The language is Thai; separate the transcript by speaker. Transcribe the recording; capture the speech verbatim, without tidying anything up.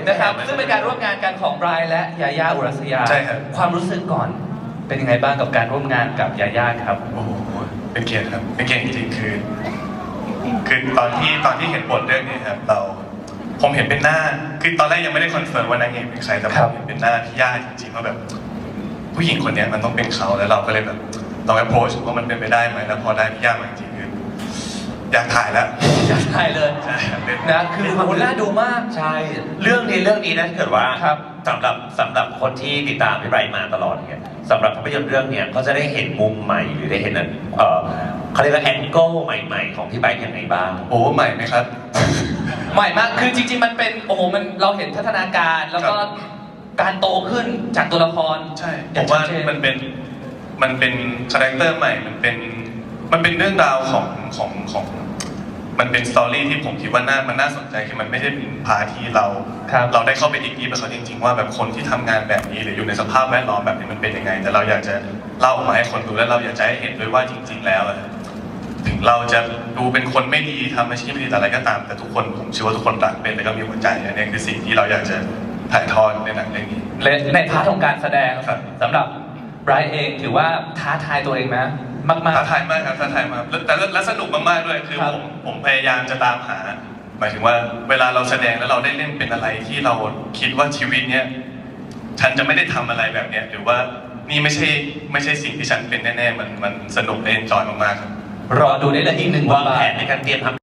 Speaker 1: นะครับซึ่งเป็นการร่วมงานกันของไบรท์และยาย่าอุรัสยา
Speaker 2: ใช่ครับ
Speaker 1: ความรู้สึกก่อนเป็นยังไงบ้างกับการร่วมงานกับยาย่าครับ
Speaker 2: โอ้โหเป็นเกียรติครับเป็นเกียรติจริงๆคือคือตอนที่ตอนที่เห็นบทเรื่องนี้ครับเราผมเห็นเป็นหน้าคือตอนแรกยังไม่ได้คอนเฟิร์มว่านางเอกเป็นใครแต่ผมเห็นเป็นหน้าพี่ย่าจริงๆว่าแบบผู้หญิงคนนี้มันต้องเป็นเขาแล้วเราก็เลยแบบลอง approach ว่ามันเป็นไปได้ไหมแล้วพอได้พี่ย่ามาจริงๆคืออยากถ่ายแล้ว
Speaker 1: อยากถ่ายเลย
Speaker 2: ใช่ครับเป็น
Speaker 1: นะคือโหน่าดูมาก
Speaker 3: ใช่ เรื่องนี้เรื่องนี้นะถ้าเกิดว่า
Speaker 1: ครับ
Speaker 3: สำหรับสำหรับคนที่ติดตามพี่ไบรท์มาตลอดเนี่ยสำหรับภาพยนตร์เรื่องเนี้ยก็จะได้เห็นมุมใหม่หรือได้เห็นเอ่อเขาเรียกว่าแองเกิลใหม่ๆของพี่ไบรท์อย่างไรบ้าง
Speaker 2: โอ้ใหม่ไหมครับ
Speaker 1: ใหม่มากคือจริงๆมันเป็นโอ้โหมันเราเห็นพัฒนาการแล้วก็การโตขึ้นจากตัวละคร
Speaker 2: ใช่ผ
Speaker 1: อย่ง
Speaker 2: มว่า
Speaker 1: ชัดเจ
Speaker 2: มันเป็นมันเป็นคาแรคเตอร์ใหม่มันเป็นมันเป็นเรื่องราวของของของมันเป็นสตอรี่ที่ผมคิดว่าน่ามันน่าสนใจคือมันไม่ใช่เป็นพาร์ทที่เรา
Speaker 1: ครับ
Speaker 2: เราได้เข้าไปดิกดีกับเขาจริงๆว่าแบบคนที่ทำงานแบบนี้หรืออยู่ในสภาพแวดล้อมแบบนี้มันเป็นยังไง แต่เราอยากจะเล่าออกมาให้คนดูและเราอยากจะให้เห็นด้วยว่าจริง ๆ แล้วอะถึงเราจะดูเป็นคนไม่ดีทำอาชีพไม่ดีแต่อะไรก็ตามแต่ทุกคนผมเชื่อว่าทุกคนรักเป็นแล้วก็มีหัวใจอันนี้คือสิ่งที่เราอยากจะถ่ายทอดในหนังเรื่องนี้
Speaker 1: และในพาร์ทของการแสดง
Speaker 2: ครับ
Speaker 1: สำหรับไบรท์เองถือว่าท้าทายตัวเองนะมาก
Speaker 2: ท้าทายมากครับท้าทายมากแล้วแต่และสนุกมากๆด้วยคือ
Speaker 1: ครับ
Speaker 2: ผมผมพยายามจะตามหา หมายถึงว่าเวลาเราแสดงแล้วเราได้เล่นเป็นอะไรที่เราคิดว่าชีวิตเนี้ยฉันจะไม่ได้ทำอะไรแบบเนี้ยหรือว่านี่ไม่ใช่ไม่ใช่สิ่งที่ฉันเป็นแน่ๆมันมันสนุกและเอนจอยมากๆครับ
Speaker 1: ๆ รอดูได้เลยอีกหนึ่ง
Speaker 3: วาง
Speaker 1: บทบา
Speaker 3: แผ
Speaker 1: ท
Speaker 3: นในการเตรียมทำ